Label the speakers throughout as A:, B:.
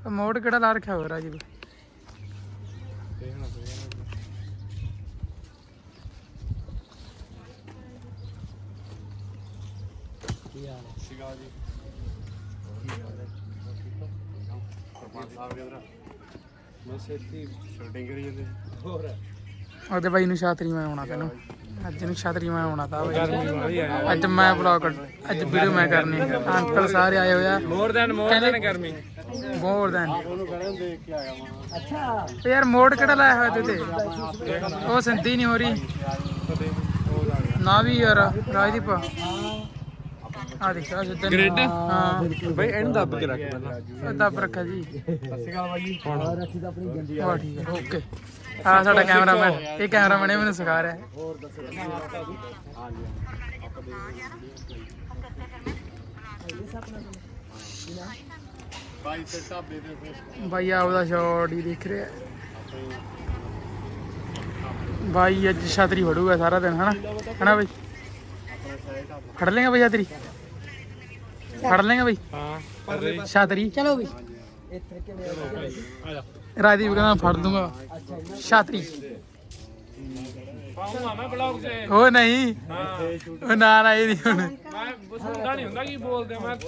A: ਮੋੜ ਕਿਹੜਾ ਲਾ ਰੱਖਿਆ ਹੋ ਰਾਜੀਵ? ਉਹਦੇ ਬਾਈ ਨੂੰ ਛਾਤਰੀ ਮੈਂ ਆਉਣਾ ਤੈਨੂੰ ਅੱਜ ਨੂੰ ਛਾਤਰੀ ਮੈਂ ਆਉਣਾ ਤਾਂ ਅੱਜ ਮੈਂ ਵਲੌਗ ਅੱਜ ਵੀਡੀਓ ਮੈਂ ਕਰਨੀ ਅੰਕਲ ਸਾਰੇ ਆਏ ਹੋਇਆ ਮੋਰ ਦੈਨ ਗਰਮੀ ਮੋਰ ਦੈਨ ਅੱਛਾ ਯਾਰ ਮੋੜ ਕਿਹੜਾ ਲਾਇਆ ਹੋਇਆ ਤੇ ਉਹ ਸੰਤੀ ਨਹੀਂ ਹੋ ਰਹੀ ਨਾ ਵੀ ਯਾਰ ਰਾਜਦੀਪ ਆ ਦੇਖ ਆ ਜਿੱਦਾਂ ਗ੍ਰਿਡ ਹਾਂ ਬਈ ਇਹਨੂੰ ਦੱਬ ਕੇ ਰੱਖ ਪਹਿਲਾਂ ਦੱਬ ਰੱਖਿਆ ਜੀ ਸਤਿ ਸ਼੍ਰੀ ਅਕਾਲ ਬਾਈ ਹੁਣ ਰੱਖੀ ਤਾਂ ਆਪਣੀ ਗੰਦੀ ਆ ਠੀਕ ਹੈ ਓਕੇ ਆ ਸਾਡਾ ਕੈਮਰਾਮੈਨ ਇਹ ਕੈਮਰਾਮੈਨ ਇਹ ਮੈਨੂੰ ਸਿਖਾ ਰਿਹਾ ਹੋਰ ਦੱਸੋ ਬਾਈ ਆ ਉਹਦਾ ਸ਼ਾਟ ਹੀ ਦੇਖ ਰਿਹਾ ਬਾਈ ਅੱਜ ਛਤਰੀ ਫੜੂਗਾ ਸਾਰਾ ਦਿਨ ਹਨਾ ਬਾਈ ਫੜ ਲੇਗਾ ਬਾਈ ਛਤਰੀ ਫੜ ਲੇਗਾ ਬਾਈ ਹਾਂ ਛਤਰੀ ਚਲੋ ਬਈ ਰਾਜਦੀਪ ਕਹਿੰਦਾ ਫੜ ਦੂੰਗਾ ਛਤਰੀ ਉਹ ਨਹੀਂ ਉਹ ਨਾ ਇਹ ਨਹੀਂ ਹੁਣ ਮੈਂ ਸੁਣਦਾ ਨਹੀਂ ਹੁੰਦਾ ਕੀ ਬੋਲਦੇ ਮੈਂ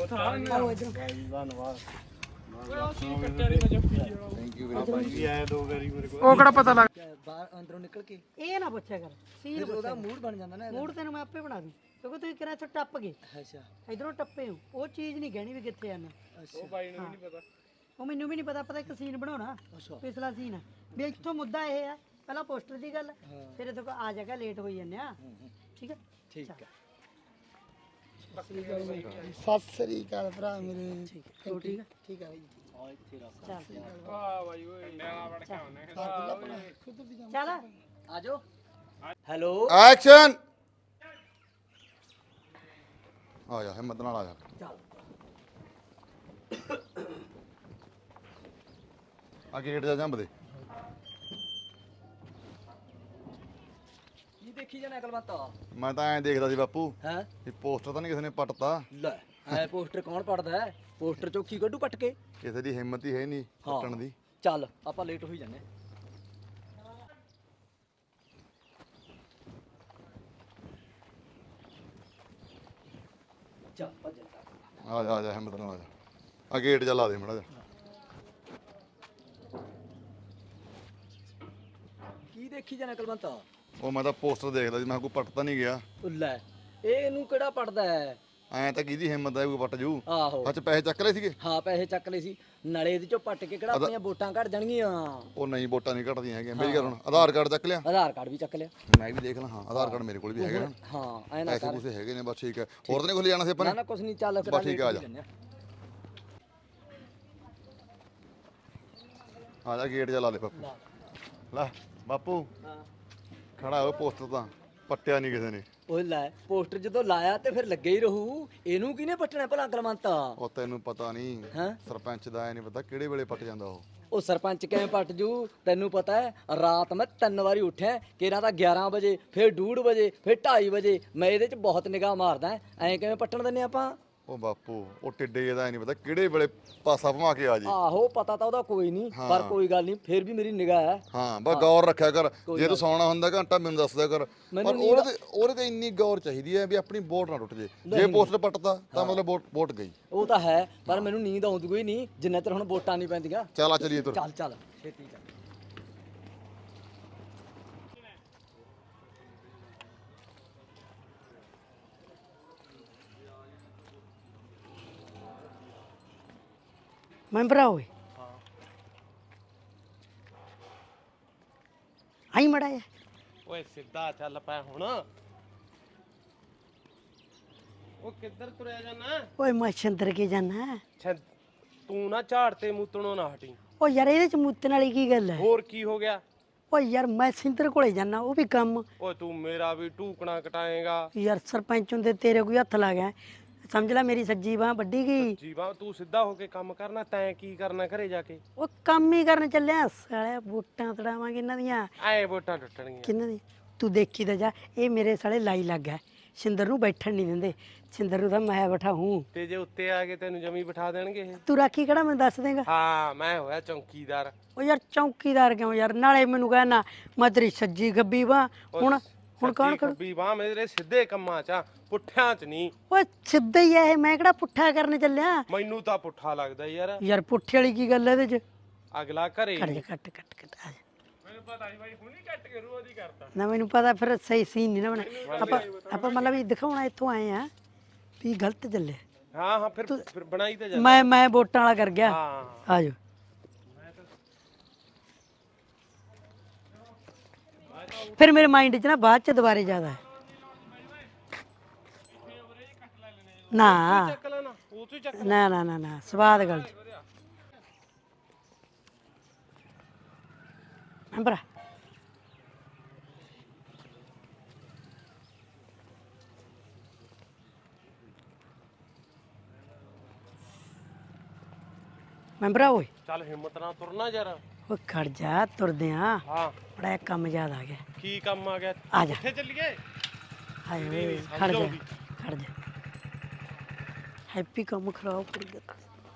A: ਉਹ ਕਿਹੜਾ ਪਤਾ ਲੱਗ
B: ਬਾਹਰ ਅੰਦਰੋਂ ਨਿਕਲ ਕੇ ਇਹ ਨਾ ਪੁੱਛਿਆ ਕਰ ਸੀਨ ਉਹਦਾ ਮੂਡ ਬਣ ਜਾਂਦਾ ਨਾ ਮੂਡ ਤੈਨੂੰ ਮੈਂ ਆਪੇ ਬਣਾ ਦੂੰ ਕਿਉਂਕਿ ਤੁਸੀਂ ਕਿਹੜਾ ਇੱਥੋਂ ਟੱਪ ਗਏ ਅੱਛਾ ਇਧਰੋਂ ਟੱਪੇ ਹੋ ਉਹ ਚੀਜ਼ ਨਹੀਂ ਕਹਿਣੀ ਵੀ ਕਿੱਥੇ ਆਣਾ ਉਹ ਬਾਈ ਨੂੰ ਵੀ ਨਹੀਂ ਪਤਾ ਉਹ ਮੈਨੂੰ ਵੀ ਨਹੀਂ ਪਤਾ ਇੱਕ ਸੀਨ ਬਣਾਉਣਾ ਪਿਛਲਾ ਸੀਨ ਵੀ ਇੱਥੋਂ ਮੁੱਦਾ ਇਹ ਆ ਪਹਿਲਾਂ ਪੋਸਟਰ ਦੀ ਗੱਲ ਫਿਰ ਇੱਥੋਂ ਆ ਜਾਗਾ ਲੇਟ ਹੋਈ ਜਾਂਦੇ ਆ ਠੀਕ ਹੈ ਠੀਕ ਹੈ ਸਤਿ ਸ੍ਰੀ ਅਕਾਲ ਭਰਾ ਮੇਰੇ ਠੀਕ ਹੈ ਠੀਕ ਹੈ ਬਾਈ ਚੱਲ ਆ ਜਾਓ ਹੈਲੋ
C: ਐਕਸ਼ਨ ਆ ਜਾ ਹਿੰਮਤ ਨਾਲ ਆ ਜਾ ਆ ਗੇਟ ਜਾ ਜੰਬ ਦੇ
B: ਕੀ ਦੇਖੀ ਜਾਣਾ ਅਕਲਮਤਾ
C: ਮੈਂ ਤਾਂ ਐਂ ਦੇਖਦਾ ਸੀ ਬਾਪੂ
B: ਹੈ
C: ਇਹ ਪੋਸਟਰ ਤਾਂ ਨਹੀਂ ਕਿਸੇ ਨੇ ਪੱਟਤਾ
B: ਲੈ ਐ ਪੋਸਟਰ ਕੌਣ ਪੜਦਾ ਹੈ ਪੋਸਟਰ ਚੋਂ ਕੀ ਕੱਢੂ ਪੱਟ ਕੇ
C: ਕਿਸੇ ਦੀ ਹਿੰਮਤ ਹੀ ਹੈ ਨਹੀਂ ਪੱਟਣ ਦੀ
B: ਚੱਲ ਆਪਾਂ ਲੇਟ ਹੋਈ ਜਾਂਦੇ ਚੱਲ ਭੱਜ
C: ਆ ਜਾ ਹਿੰਮਤ ਨਾਲ ਆ ਜਾ ਆ ਗੇਟ ਜਾ ਲਾ ਦੇ ਮੜਾ ਜਾ
B: ਕੀ ਦੇਖੀ ਜਾਣਾ ਕਲਵੰਤਾ
C: ਉਹ ਮੈਂ ਤਾਂ ਪੋਸਟਰ ਦੇਖਦਾ ਸੀ ਮੈਂ ਕੋਈ ਪੱਟ ਤਾਂ ਨਹੀਂ ਗਿਆ
B: ਲੈ ਇਹਨੂੰ ਕਿਹੜਾ ਪੜਦਾ ਹੈ
C: ਐਂ ਤਾਂ ਕਿਹਦੀ ਹਿੰਮਤ ਹੈ ਕੋਈ ਪੱਟ ਜੂ
B: ਆਹੋ
C: ਅੱਛਾ ਪੈਸੇ ਚੱਕ ਲਏ ਸੀਗੇ
B: ਹਾਂ ਪੈਸੇ ਚੱਕ ਲਏ ਸੀ ਨਾਲੇ ਇਹਦੇ ਚੋਂ ਪੱਟ ਕੇ ਕਿਹੜਾ ਆਪਣੀਆਂ ਵੋਟਾਂ ਘਟ ਜਾਣਗੀਆਂ
C: ਉਹ ਨਹੀਂ ਵੋਟਾਂ ਨਹੀਂ ਘਟਦੀਆਂ ਹੈਗੀਆਂ ਮੇਰੀ ਗੱਲ ਹੁਣ ਆਧਾਰ ਕਾਰਡ ਚੱਕ ਲਿਆ
B: ਆਧਾਰ ਕਾਰਡ ਵੀ ਚੱਕ ਲਿਆ
C: ਮੈਂ ਵੀ ਦੇਖ ਲਾਂ ਹਾਂ ਆਧਾਰ ਕਾਰਡ ਮੇਰੇ ਕੋਲ ਵੀ ਹੈਗਾ
B: ਹਾਂ ਐ ਨਾ
C: ਪੈਸੇ
B: ਕਰ
C: ਪੂਸੇ ਹੈਗੇ ਨੇ ਬਸ ਠੀਕ ਹੈ ਹੋਰ ਤਾਂ ਨਹੀਂ ਖੁੱਲ ਜਾਣਾ ਸੀ ਆਪਾਂ
B: ਨਾ
C: ਨੇ
B: ਨਾ ਕੁਛ ਨਹੀਂ ਚੱਲ ਫਿਰ
C: ਬਸ ਠੀਕ ਆ ਜਾ ਆ ਜਾ ਗੇਟ ਜਾ ਲਾ ਲੈ ਬਾਪੂ ਲੈ ਬਾਪੂ
B: ਹਾਂ
C: ਖੜਾ ਹੋ ਪੋਸਟਰ ਤਾਂ ਪੱਟਿਆ ਨਹੀਂ ਕਿਸੇ ਨੇ
B: ਉਹ ਲੈ ਪੋਸਟਰ ਜਦੋਂ ਲਾਇਆ ਤੇ ਫਿਰ ਲੱਗੇ ਹੀ ਰਹੂ ਇਹਨੂੰ ਕਿਹਨੇ ਪੱਟਣਾ ਭਲਾ ਕਲਮੰਤਾ
C: ਉਹ ਤੈਨੂੰ ਪਤਾ ਨਹੀਂ
B: ਹਾਂ
C: ਸਰਪੰਚ ਦਾ ਐ ਨਹੀਂ ਪਤਾ ਕਿਹੜੇ ਵੇਲੇ ਪੱਟ ਜਾਂਦਾ
B: ਉਹ ਸਰਪੰਚ ਕਿਵੇਂ ਪੱਟ ਜੂ ਤੈਨੂੰ ਪਤਾ ਹੈ ਰਾਤ ਮੈਂ 3 ਵਾਰੀ ਉੱਠਿਆ ਕਿਹੜਾ ਤਾਂ 11 ਵਜੇ ਫਿਰ 2:30 ਵਜੇ ਫਿਰ 2:30 ਵਜੇ ਮੈਂ ਇਹਦੇ 'ਚ ਬਹੁਤ ਨਿਗਾਹ ਮਾਰਦਾ ਐਂ ਕਿਵੇਂ ਪੱਟਣ ਦਿੰਨੇ ਆਪਾਂ
C: ਉਹ ਬਾਪੂ ਉਹ ਟਿੱਡੇ ਦਾ ਐ ਨਹੀਂ ਪਤਾ ਕਿਹੜੇ ਵੇਲੇ ਪਾਸਾ ਭਮਾ ਕੇ ਆ ਜੇ
B: ਆਹੋ ਪਤਾ ਤਾਂ ਉਹਦਾ ਕੋਈ ਨਹੀਂ ਪਰ ਕੋਈ ਗੱਲ ਨਹੀਂ ਫਿਰ ਵੀ ਮੇਰੀ ਨਿਗਾਹ ਹੈ
C: ਹਾਂ ਬਸ ਗੌਰ ਰੱਖਿਆ ਕਰ ਜੇ ਤੂੰ ਸੌਣਾ ਹੁੰਦਾ ਘੰਟਾ ਮੈਨੂੰ ਦੱਸ ਦਿਆ ਕਰ ਪਰ ਉਹਦੇ ਤੇ ਇੰਨੀ ਗੌਰ ਚਾਹੀਦੀ ਹੈ ਵੀ ਆਪਣੀ ਵੋਟ ਨਾ ਟੁੱਟ ਜੇ ਪੋਸਟਰ ਪੱਟਦਾ ਤਾਂ ਮਤਲਬ ਵੋਟ ਗਈ
B: ਉਹ ਤਾਂ ਹੈ ਪਰ ਮੈਨੂੰ ਨੀਂਦ ਆਉਂਦੀ ਕੋਈ ਨਹੀਂ ਜਿੰਨਾ ਚਿਰ ਹੁਣ ਵੋਟਾਂ ਨਹੀਂ ਪੈਂਦੀਆਂ
C: ਚੱਲ ਆ ਚਲੀਏ ਤੁਰ
B: ਚੱਲ ਚੱਲ ਛੇਤੀ ਚੱਲ ਮੈਂਬਰ ਹੋਏ ਆਈ ਮੜਾ
D: ਓਏ ਸਿੱਧਾ ਚੱਲ ਪੈ ਹੁਣ ਉਹ ਕਿੱਧਰ ਤੁਰਿਆ ਜਾਣਾ
B: ਓਏ ਮੈਂ ਛੰਦਰ ਕੇ ਜਾਣਾ
D: ਤੂੰ ਨਾ ਝਾੜ ਤੇ ਮੂਤਣੋਂ ਨਾ ਹਟੀ
B: ਓ ਯਾਰ ਇਹਦੇ ਚ ਮੂਤਣ ਵਾਲੀ ਕੀ ਗੱਲ ਹੈ
D: ਹੋਰ ਕੀ ਹੋ ਗਿਆ
B: ਓ ਯਾਰ ਮੈਂ ਸਿੰਦਰ ਕੋਲੇ ਜਾਣਾ ਉਹ ਵੀ ਕੰਮ
D: ਓਏ ਤੂੰ ਮੇਰਾ ਵੀ ਢੂਕਣਾ ਕਟਾਏਗਾ
B: ਯਾਰ ਸਰਪੰਚ ਹੁੰਦੇ ਤੇਰੇ ਕੋਈ ਹੱਥ ਲੱਗ ਗਿਆ ਸਮਝ ਲੈ ਮੇਰੀ ਸੱਜੀ ਬਾਹ ਵੱਡੀ ਗਈ
D: ਜੀਵਾ ਤੂੰ ਸਿੱਧਾ ਹੋ ਕੇ ਕੰਮ ਕਰਨਾ ਤੈਂ ਕੀ ਕਰਨਾ ਘਰੇ ਜਾ ਕੇ
B: ਉਹ ਕੰਮ ਹੀ ਕਰਨ ਚੱਲਿਆ ਸਾਲਿਆ ਵੋਟਾਂ ਤੜਾਵਾਂਗੇ ਇਹਨਾਂ ਦੀਆਂ
D: ਐ ਵੋਟਾਂ ਟੁੱਟਣਗੀਆਂ
B: ਕਿਹਨਾਂ ਦੀ ਤੂੰ ਦੇਖੀ ਤਾਂ ਜਾ ਇਹ ਮੇਰੇ ਸਾਲੇ ਲਾਈ ਲੱਗ ਗਿਆ ਸਿੰਦਰ ਨੂੰ ਬੈਠਣ ਨਹੀਂ ਦਿੰਦੇ। ਸਿੰਦਰ ਨੂੰ ਤਾਂ ਮੈਂ ਬਿਠਾਊਂ।
D: ਤੇ ਜੇ ਉੱਤੇ ਆ ਕੇ ਤੈਨੂੰ ਜਮੀ ਬਿਠਾ ਦੇਣਗੇ ਇਹ?
B: ਤੂੰ ਰਾਖੀ ਕਿਹੜਾ ਮੈਨੂੰ ਦੱਸ ਦੇਗਾ?
D: ਹਾਂ ਮੈਂ ਹੋਇਆ ਚੌਕੀਦਾਰ।
B: ਉਹ ਯਾਰ ਚੌਕੀਦਾਰ ਕਿਉਂ ਯਾਰ? ਨਾਲੇ ਮੈਨੂੰ ਕਹਿਣਾ ਮੈਂ ਤੇਰੀ ਸੱਜੀ ਗੱਬੀ ਵਾ। ਹੁਣ ਕੌਣ ਕਰੂ?
D: ਖੱਬੀ ਬਾਹ ਮੇਰੇ ਸਿੱਧੇ ਕੰਮਾਂ 'ਚ ਆ, ਪੁੱਠਿਆਂ 'ਚ ਨਹੀਂ।
B: ਓਏ ਸਿੱਧਾ ਹੀ ਆ ਇਹ, ਮੈਂ ਕਿਹੜਾ ਪੁੱਠਾ ਕਰਨ ਚੱਲਿਆ?
D: ਮੈਨੂੰ ਤਾਂ ਪੁੱਠਾ ਲੱਗਦਾ ਯਾਰ।
B: ਯਾਰ ਪੁੱਠੇ ਵਾਲੀ ਕੀ ਗੱਲ ਹੈ ਇਹਦੇ 'ਚ?
D: ਅਗਲਾ ਘਰੇ
B: ਕੱਟ ਜਾ, ਕੱਟ ਕੱਟ ਕੱਟ ਆ ਜਾ।
D: ਮੈਨੂੰ ਪਤਾ ਸੀ ਬਾਈ ਹੁਣੀ ਕੱਟ ਕੇ ਰੂਹ ਉਹਦੀ ਕਰਤਾ।
B: ਨਾ ਮੈਨੂੰ ਪਤਾ ਫਿਰ ਸਹੀ ਸੀਨ ਨਹੀਂ ਨਾ ਬਣਾ। ਆਪਾਂ ਮਤਲਬ ਵੀ ਦਿਖਾਉਣਾ ਇੱਥੋਂ ਆਏ ਆ ਵੀ ਗਲਤ ਚੱਲੇ।
D: ਹਾਂ ਫਿਰ ਬਣਾਈ ਤਾਂ ਜਾ।
B: ਮੈਂ ਵੋਟਾਂ ਵਾਲਾ ਕਰ ਗਿਆ।
D: ਹਾਂ
B: ਆ ਜਾਓ। ਫਿਰ ਮੇਰੇ ਮਾਈਂਡ 'ਚ ਨਾ ਬਾਅਦ 'ਚ ਦੁਬਾਰੇ ਜ਼ਿਆਦਾ ਹੈ ਨਾ
D: ਚੱਕ ਲੈਣਾ ਉਹ ਤੋਂ ਚੱਕ।
B: ਨਾ ਨਾ ਨਾ ਨਾ ਸਵਾਦ ਗੱਲ ਅੰਬਰਾ। ਮੈਂਬਰਾ ਓਏ
D: ਚੱਲ ਹਿੰਮਤ ਨਾਲ ਤੁਰਨਾ ਯਾਰ।
B: ਉਹ ਖੜ ਜਾ, ਤੁਰਦੇ ਆ।
D: ਹਾਂ
B: ਬੜਾ ਇੱਕ ਕੰਮ ਯਾਦ ਆ ਗਿਆ।
D: ਕੀ ਕੰਮ ਆ ਗਿਆ?
B: ਆ ਜਾ।
D: ਕਿੱਥੇ ਚੱਲੀਏ?
B: ਹਾਏ ਓਏ ਖੜ ਜਾ, ਖੜ ਜਾ। ਹੈਪੀ ਕੰਮ ਖਰਾਬ ਕਰ ਗਿਆ।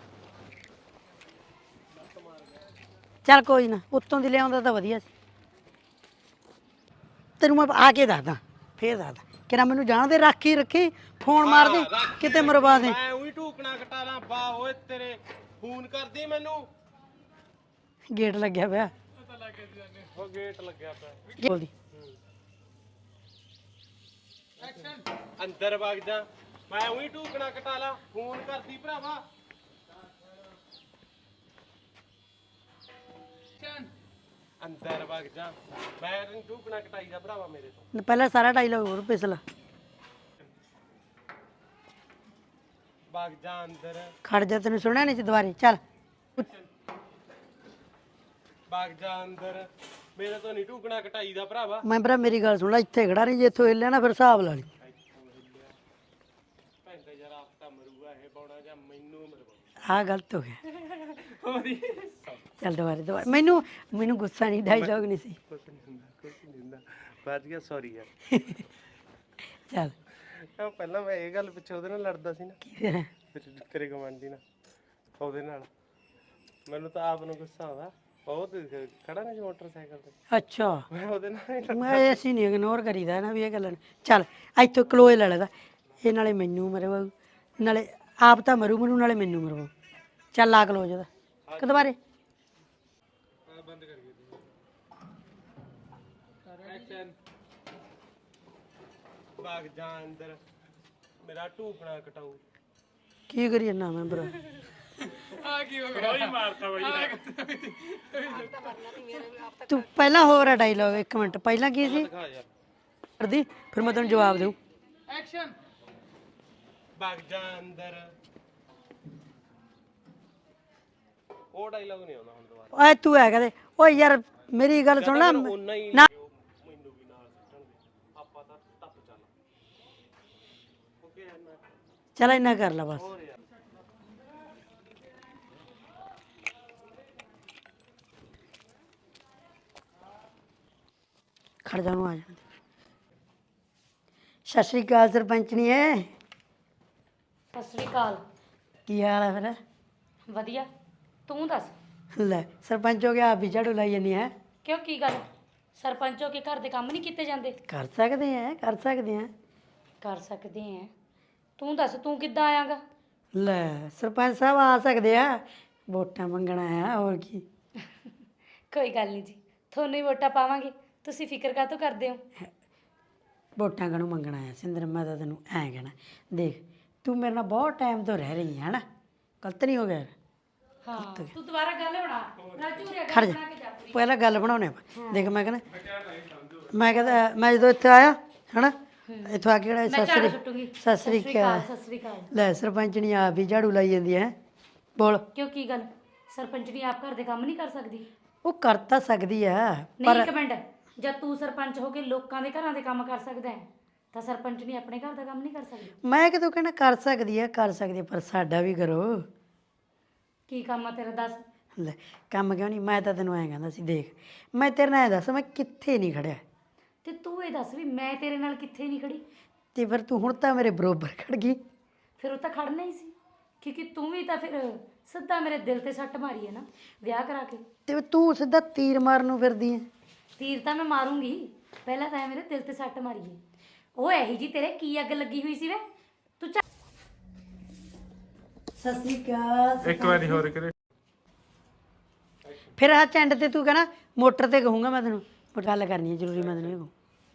B: ਚੱਲ ਕੋਈ ਨਾ, ਉੱਤੋਂ ਦੀ ਲਿਆਉਂਦਾ ਤਾਂ ਵਧੀਆ ਸੀ। ਤੈਨੂੰ ਮੈਂ ਆ ਕੇ ਦੱਸਦਾ, ਫੇਰ ਦੱਸਦਾ ਕਿਹੜਾ ਮੈਨੂੰ ਜਾਣਦੇ। ਰੱਖੀ ਰੱਖੀ ਫੋਨ ਮਾਰ ਦੇ, ਕਿਤੇ ਮਰਵਾ ਦੇ।
D: ਮੈਂ ਉਹੀ ਢੂਕਣਾ ਕਟਾ ਲਾਂ। ਬਾ ਓਏ ਤੇਰੇ ਫੋਨ ਕਰਦੀ ਮੈਨੂੰ।
B: ਗੇਟ ਲੱਗਿਆ ਪਿਆ।
D: ਉਹ ਗੇਟ ਲੱਗਿਆ ਪਿਆ।
B: ਬੋਲਦੀ
D: ਅੰਦਰ ਵਗ ਜਾ। ਮੈਂ ਉਹੀ ਢੂਕਣਾ ਕਟਾ ਲਾਂ। ਫੋਨ ਕਰਦੀ ਭਰਾਵਾ। ਅੰਦਰ ਵਗ ਜਾ। ਮੈਂ ਤੈਨੂੰ ਢੂਕਣਾ ਕਟਾਈ ਦਾ ਭਰਾਵਾ ਮੇਰੇ ਤੋਂ।
B: ਪਹਿਲਾਂ ਸਾਰਾ ਡਾਇਲੌਗ ਹੋਰ ਪਿਛਲਾ।
D: ਵਗ ਜਾ ਅੰਦਰ।
B: ਖੜ ਜਾ, ਤੈਨੂੰ ਸੁਣਿਆ ਨਹੀਂ ਸੀ ਦੁਬਾਰੇ। ਚੱਲ
D: ਵਗ ਜਾ ਅੰਦਰ। ਮੇਰੇ ਤੋਂ ਨਹੀਂ ਢੂਕਣਾ ਕਟਾਈ ਦਾ ਭਰਾਵਾ।
B: ਮੈਂ ਭਰਾ ਮੇਰੀ ਗੱਲ ਸੁਣ ਲੈ, ਇੱਥੇ ਖੜਾ ਨਹੀਂ। ਜੇ ਇੱਥੋਂ ਹਿੱਲਿਆ ਨਾ ਫਿਰ ਹਿਸਾਬ ਲਾ ਲਈ।
D: ਭੈਂਦਾ ਯਾਰ ਆਪ ਤਾਂ ਮਰੂਗਾ ਇਹ ਬੌਣਾ ਜਾਂ ਮੈਨੂੰ ਮਰਵਾ।
B: ਆਹ ਗਲਤ ਹੋ ਗਿਆ। ਚੱਲ ਦੁਬਾਰੇ ਮੈਨੂੰ ਗੁੱਸਾ ਨਹੀਂ, ਡਾਇਲੌਗ ਨਹੀਂ ਸੀ।
D: ਕੁਛ ਨਹੀਂ ਹੁੰਦਾ ਬਾਜ ਗਿਆ। ਸੌਰੀ ਯਾਰ।
B: ਚੱਲ
D: ਪਹਿਲਾਂ ਮੈਂ ਇਹ ਗੱਲ ਪਿੱਛੇ ਉਹਦੇ ਨਾਲ ਲੜਦਾ ਸੀ ਨਾ,
B: ਕੀ
D: ਤੇਰੇ ਗਵਾਂਢੀ ਨਾਲ। ਉਹਦੇ ਨਾਲ ਮੈਨੂੰ ਤਾਂ ਆਪ ਨੂੰ ਗੁੱਸਾ ਆਉਂਦਾ। ਬਹੁਤ ਖੜਾ ਨਹੀਂ ਸੀ ਮੋਟਰਸਾਈਕਲ ਤੇ।
B: ਅੱਛਾ,
D: ਮੈਂ ਉਹਦੇ ਨਾਲ ਹੀ
B: ਮੈਂ ਅਸੀਂ ਨਹੀਂ ਇਗਨੋਰ ਕਰੀਦਾ ਨਾ ਵੀ ਇਹ ਗੱਲਾਂ। ਚੱਲ ਇੱਥੋਂ ਕਲੋਏ ਲੈ ਲੈਦਾ। ਇਹ ਨਾਲੇ ਮੈਨੂੰ ਮਰਵਾਉ, ਨਾਲੇ ਆਪ ਤਾਂ ਮਰੂ ਨਾਲੇ ਮੈਨੂੰ ਮਰਵਾਉ। ਚੱਲ ਲਾ ਕਲੋਜ ਉਹਦਾ ਕਿ ਦੁਬਾਰੇ।
D: ਬੰਦ ਕਰ ਗਈ ਐਕਸ਼ਨ। ਭਾਗ ਜਾ ਅੰਦਰ। ਮੇਰਾ ਢੂਕਣਾ ਕਟਾਊ।
B: ਕੀ ਕਰੀ ਨਾ ਮੈਂ ਭਰਾ?
D: ਆ ਕੀ ਹੋ ਗਿਆ? ਉਹੀ ਮਾਰਤਾ ਬਾਈ।
B: ਤੂੰ ਪਹਿਲਾਂ ਹੋਰ ਆ ਡਾਇਲੌਗ। ਇੱਕ ਮਿੰਟ ਪਹਿਲਾਂ ਕੀ ਸੀ?
D: ਦਿਖਾ ਯਾਰ।
B: ਕਰਦੀ ਫਿਰ ਮੈਂ ਤੈਨੂੰ ਜਵਾਬ ਦੇਉ।
A: ਐਕਸ਼ਨ।
D: ਭਾਗ ਜਾ ਅੰਦਰ। ਉਹ ਡਾਇਲੌਗ ਨਹੀਂ ਆਉਂਦਾ ਹੁਣ ਦੁਬਾਰਾ।
B: ਓਏ ਤੂੰ ਹੈ ਕਹਦੇ। ਓਏ ਯਾਰ ਮੇਰੀ ਗੱਲ ਸੁਣ ਲੈ
D: ਉਹਨਾਂ ਹੀ
B: ਨਾ।
D: ਮੈਨੂੰ ਵੀ ਨਾਲ ਸੁੱਟਣਗੇ। ਆਪਾਂ ਤਾਂ ਟੱਪ ਚੱਲ। ਓਕੇ ਨਾ
B: ਚੱਲ ਇੰਨਾ ਕਰ ਲੈ ਬਸ।
D: ਹੋਰ ਯਾਰ।
B: ਖੜ ਜਾ, ਨੂੰ ਆ ਜਾਣ ਦੇ। ਸਤਿ ਸ਼੍ਰੀ ਅਕਾਲ ਸਰਪੰਚਣੀ ਏ।
E: ਸਤਿ ਸ੍ਰੀ ਅਕਾਲ।
B: ਕੀ ਹਾਲ ਹੈ ਫਿਰ?
E: ਵਧੀਆ, ਤੂੰ ਦੱਸ।
B: ਲੈ ਸਰਪੰਚ ਹੋ ਗਿਆ, ਆਪ ਵੀ ਝਾੜੂ ਲਾਈ ਜਾਂਦੀ ਹੈ।
E: ਕਿਉਂ, ਕੀ ਗੱਲ? ਸਰਪੰਚ ਹੋ ਕੇ ਘਰ ਦੇ ਕੰਮ ਨਹੀਂ ਕੀਤੇ ਜਾਂਦੇ?
B: ਕਰ ਸਕਦੇ ਆ, ਕਰ ਸਕਦੇ ਆ।
E: ਕਰ ਸਕਦੇ ਆ। ਤੂੰ ਦੱਸ, ਤੂੰ ਕਿੱਦਾਂ ਆਇਆਗਾ?
B: ਲੈ ਸਰਪੰਚ ਸਾਹਿਬ ਆ ਸਕਦੇ ਆ, ਵੋਟਾਂ ਮੰਗਣ ਆਇਆ, ਹੋਰ ਕੀ।
E: ਕੋਈ ਗੱਲ ਨਹੀਂ ਜੀ, ਤੁਹਾਨੂੰ ਹੀ ਵੋਟਾਂ ਪਾਵਾਂਗੇ। ਤੁਸੀਂ ਫਿਕਰ ਕਾਹਤੋਂ ਕਰਦੇ ਹੋ?
B: ਵੋਟਾਂ ਕਾਹਨੂੰ ਮੰਗਣ ਆਇਆ ਸਿੰਦਰ? ਮੈਂ ਤਾਂ ਤੈਨੂੰ ਐਂ ਕਹਿਣਾ, ਦੇਖ ਤੂੰ ਮੇਰੇ ਨਾਲ ਬਹੁਤ ਟਾਈਮ ਤੋਂ ਰਹਿ ਰਹੀ ਹੈ ਨਾ, ਗਲਤ ਨਹੀਂ ਹੋ ਗਿਆ?
E: ਹਾਂ, ਤੂੰ ਦੁਬਾਰਾ ਗੱਲ ਬਣਾ। ਰਾਜੂ ਰੇ
B: ਖੜ
E: ਗੱਲ
B: ਜਾ,
E: ਬਣਾ ਕੇ ਜਾ ਪੂਰੀ।
B: ਪਹਿਲਾਂ ਗੱਲ ਬਣਾਉਣੇ ਆਪਾਂ। ਦੇਖ ਮੈਂ ਕਹਿੰਦਾ ਮੈਂ ਜਦੋਂ ਇੱਥੇ ਆਇਆ ਹਨਾ, ਇੱਥੋਂ ਆ ਕੇ ਕਿਹੜਾ
E: ਮੈਂ ਝਾੜੂ
B: ਸਤਿ
E: ਸੁੱਟੂਗੀ।
B: ਸ੍ਰੀ ਅਕਾਲ।
E: ਸਤਿ ਸ੍ਰੀ ਅਕਾਲ।
B: ਲੈ ਸਰਪੰਚਣੀ ਆਪ ਵੀ ਝਾੜੂ ਲਾਈ ਜਾਂਦੀ ਹੈ। ਬੋਲ।
E: ਕਿਉਂ, ਕੀ ਗੱਲ? ਸਰਪੰਚਣੀ ਆਪ ਘਰ ਦੇ ਕੰਮ ਨਹੀਂ ਕਰ ਸਕਦੀ?
B: ਉਹ ਕਰ ਤਾਂ ਸਕਦੀ ਆ
E: ਨਹੀਂ, ਇੱਕ ਮਿੰਟ। ਜਦ ਤੂੰ ਸਰਪੰਚ ਹੋ ਕੇ ਲੋਕਾਂ ਦੇ ਘਰਾਂ ਦੇ ਕੰਮ ਕਰ ਸਕਦਾ ਹੈ, ਤਾਂ ਸਰਪੰਚਣੀ ਆਪਣੇ ਘਰ ਦਾ ਕੰਮ ਨਹੀਂ ਕਰ ਸਕਦੀ?
B: ਮੈਂ ਕਿਦੋਂ ਕਹਿਣਾ ਕਰ ਸਕਦੀ ਆ, ਕਰ ਸਕਦੀ ਆ, ਪਰ ਸਾਡਾ ਵੀ ਕਰੋ।
E: ਕੀ ਕੰਮ ਆ ਤੇਰਾ, ਦੱਸ।
B: ਲੈ ਕੰਮ ਕਿਉਂ ਨਹੀਂ? ਮੈਂ ਤਾਂ ਤੈਨੂੰ ਐਂ ਕਹਿੰਦਾ ਸੀ, ਦੇਖ ਮੈਂ ਤੇਰੇ ਨਾਲ ਐਂ ਦੱਸ, ਮੈਂ ਕਿੱਥੇ ਨਹੀਂ ਖੜਿਆ।
E: ਤੇ ਤੂੰ ਇਹ ਦੱਸ ਵੀ ਮੈਂ ਤੇਰੇ ਨਾਲ ਕਿੱਥੇ ਨਹੀਂ ਖੜੀ?
B: ਤੇ ਫਿਰ ਤੂੰ ਹੁਣ ਤਾਂ ਮੇਰੇ ਬਰੋਬਰ ਖੜ ਗਈ।
E: ਫਿਰ ਉਹ ਤਾਂ ਖੜਨਾ ਹੀ ਸੀ, ਕਿਉਂਕਿ ਤੂੰ ਵੀ ਤਾਂ ਫਿਰ ਸਿੱਧਾ ਮੇਰੇ ਦਿਲ ਤੇ ਸੱਟ ਮਾਰੀ ਹੈ ਨਾ ਵਿਆਹ ਕਰਾ ਕੇ।
B: ਤੇ ਤੂੰ ਸਿੱਧਾ ਤੀਰ ਮਾਰਨ ਨੂੰ ਫਿਰਦੀ ਐ।
E: ਤੀਰ ਤਾਂ ਮੈਂ ਮਾਰੂੰਗੀ, ਪਹਿਲਾਂ ਤਾਂ ਇਹ ਮੇਰੇ ਦਿਲ ਤੇ ਸੱਟ ਮਾਰੀ ਹੈ। ਉਹ ਇਹੀ ਜੀ ਤੇਰੇ ਕੀ ਅੱਗ ਲੱਗੀ ਹੋਈ ਸੀ ਵੇ ਤੂੰ
B: ਸਤਿ ਸ੍ਰੀ ਅਕਾਲ।
A: ਇੱਕ ਵਾਰੀ ਹੋਰ ਕਰੇ।
B: ਫਿਰ ਆ ਚੰਡ ਤੇ ਤੂੰ ਕਹਿਣਾ ਮੋਟਰ ਤੇ ਕਹੂੰਗਾ ਮੈਂ ਤੈਨੂੰ, ਪਰ ਗੱਲ ਕਰਨੀ ਹੈ ਜ਼ਰੂਰੀ, ਮੈਂ ਤੈਨੂੰ ਇਹ ਕਹੂੰ।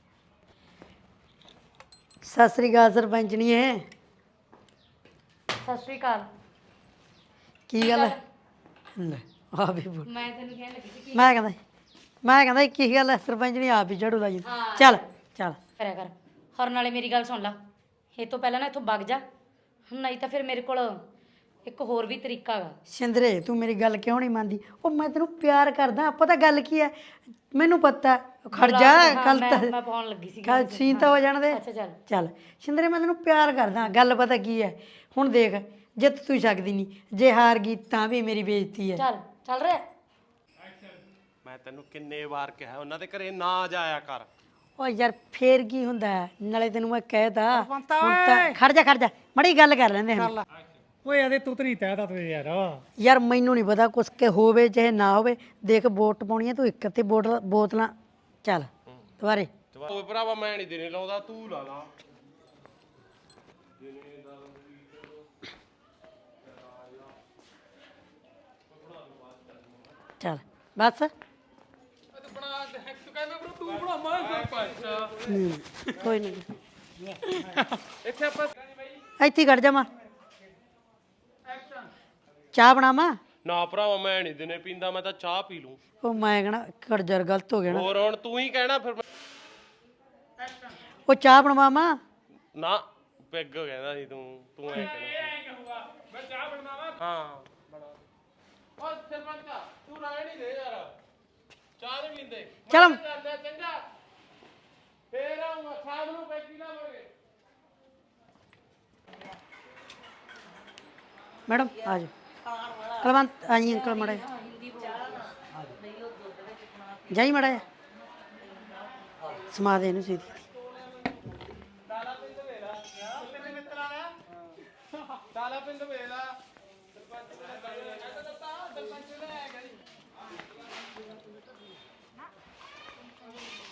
B: ਸਤਿ ਸ੍ਰੀ ਅਕਾਲ ਸਰਪੰਚਣੀ ਹੈ।
E: ਸਤਿ ਸ਼੍ਰੀ ਅਕਾਲ।
B: ਕੀ ਗੱਲ ਹੈ? ਲੈ ਆ ਵੀ ਬੋਲ।
E: ਮੈਂ ਤੈਨੂੰ ਕਹਿਣ ਲੱਗੀ ਸੀ
B: ਮੈਂ ਕਹਿੰਦਾ ਕੀ ਗੱਲ ਹੈ ਸਰਪੰਚਣੀ ਆਪ ਹੀ ਝਾੜੂ ਲਾਈ ਜਾਂਦੀ। ਚੱਲ ਚੱਲ
E: ਕਰਿਆ ਕਰ। ਹਰ ਨਾਲੇ ਮੇਰੀ ਗੱਲ ਸੁਣ ਲਾ, ਇਹ ਤੋਂ ਪਹਿਲਾਂ ਨਾ ਇੱਥੋਂ ਵਗ ਜਾ, ਨਹੀਂ ਤਾਂ ਫਿਰ ਮੇਰੇ ਕੋਲ ਇੱਕ ਹੋਰ ਵੀ ਤਰੀਕਾ ਹੈਗਾ।
B: ਸਿੰਦਰੇ ਤੂੰ ਮੇਰੀ ਗੱਲ ਕਿਉਂ ਨਹੀਂ ਮੰਨਦੀ? ਉਹ ਮੈਂ ਤੈਨੂੰ ਪਿਆਰ ਕਰਦਾ, ਆਪਾਂ ਤਾਂ ਗੱਲ ਕੀ ਹੈ ਮੈਨੂੰ ਪਤਾ। ਖੜ ਜਾ, ਕੱਲ ਤਾਂ
E: ਮੈਂ ਪਾਉਣ ਲੱਗੀ ਸੀ।
B: ਕੱਲ ਸੀਨ ਤਾਂ ਹੋ ਜਾਣ ਦੇ।
E: ਅੱਛਾ ਚੱਲ।
B: ਚੱਲ ਸਿੰਦਰੇ ਮੈਂ ਤੈਨੂੰ ਪਿਆਰ ਕਰਦਾ, ਗੱਲ ਪਤਾ ਕੀ ਹੈ ਹੁਣ ਦੇਖ, ਜਿੱਤ ਤੂੰ ਸਕਦੀ ਨਹੀਂ, ਜੇ ਹਾਰ ਗਈ ਤਾਂ ਵੀ ਮੇਰੀ ਬੇਇੱਜ਼ਤੀ ਹੈ।
E: ਚੱਲ ਚੱਲ ਰਿਹਾ।
D: ਮੈਂ ਤੈਨੂੰ ਕਿੰਨੇ ਵਾਰ ਕਿਹਾ ਉਹਨਾਂ ਦੇ ਘਰੇ ਨਾ ਜਾਇਆ ਕਰ।
B: ਓ ਯਾਰ ਫੇਰ ਕੀ ਹੁੰਦਾ ਹੈ? ਨਾਲੇ ਤੈਨੂੰ ਮੈਂ ਕਹਿਤਾ ਹੁਣ ਤਾਂ ਖੜ ਜਾ ਮੜੀ ਗੱਲ ਕਰ ਲੈਂਦੇ ਹਾਂ।
F: ਓਏ ਇਹਦੇ ਤੂੰ ਤਰੀ ਤੈਦਾ ਤੇ ਯਾਰ
B: ਯਾਰ ਮੈਨੂੰ ਨਹੀਂ ਪਤਾ ਕੁਛ ਕੇ ਹੋਵੇ ਚਾਹੇ ਨਾ ਹੋਵੇ, ਦੇਖ ਵੋਟ ਪਾਉਣੀ ਹੈ ਤੂੰ ਇੱਕ ਤੇ ਬੋਤਲਾਂ ਚੱਲ ਦੁਬਾਰੇ।
D: ਓਏ ਭਰਾਵਾ ਮੈਂ ਨਹੀਂ ਦੇਣੇ ਲਾਉਂਦਾ, ਤੂੰ ਲਾ ਲਾ।
B: ਚੱਲ ਬਸ ਕੋਈ ਨਹੀਂ
D: ਇੱਥੇ ਆਪਾਂ
B: ਇੱਥੇ ਖੜ ਜਾ, ਚਾਹ ਬਣਾਵਾਂ?
D: ਨਾ ਭਰਾਵਾ ਮੈਂ ਨਹੀਂ ਦਿਨੇ ਪੀਂਦਾ, ਮੈਂ ਤਾਂ ਚਾਹ ਪੀ ਲੂੰ।
B: ਉਹ ਮੈਂ ਕਹਣਾ ਖੜਜਰ ਗਲਤ ਹੋ ਗਿਆ ਨਾ।
D: ਹੋਰ ਹੁਣ ਤੂੰ ਹੀ ਕਹਿਣਾ ਫਿਰ।
B: ਉਹ ਚਾਹ ਬਣਵਾਵਾਂ?
D: ਨਾ ਪੈਗ ਕਹਿੰਦਾ ਸੀ ਤੂੰ ਐ ਕਹਿਣਾ ਮੈਂ ਚਾਹ ਬਣਾਵਾਂ। ਹਾਂ ਬਣਾ। ਓ ਸਰਪੰਚ ਤੂੰ ਰਹਿ ਨਹੀਂ ਦੇ ਯਾਰ, ਚਾਹ ਨਹੀਂ ਪੀਂਦੇ।
B: ਚੱਲ
D: ਚੰਗਾ ਫੇਰ ਆਉਂਗਾ ਸ਼ਾਮ ਨੂੰ ਪੈਗੀ ਲਾਵਾਂਗੇ।
B: ਮੈਡਮ ਆ ਜਾਓ। ਕਲਵੰਤ ਆਈ ਅੰਕਲ ਮੜਾ ਜਾਈ ਮੜਾ ਸਮਾ ਦੇ ਇਹਨੂੰ ਸੀਧੀ।
D: ਤਾਲਾ ਪਿੰਡ ਵੇਲਾ ਸਰਪੰਚ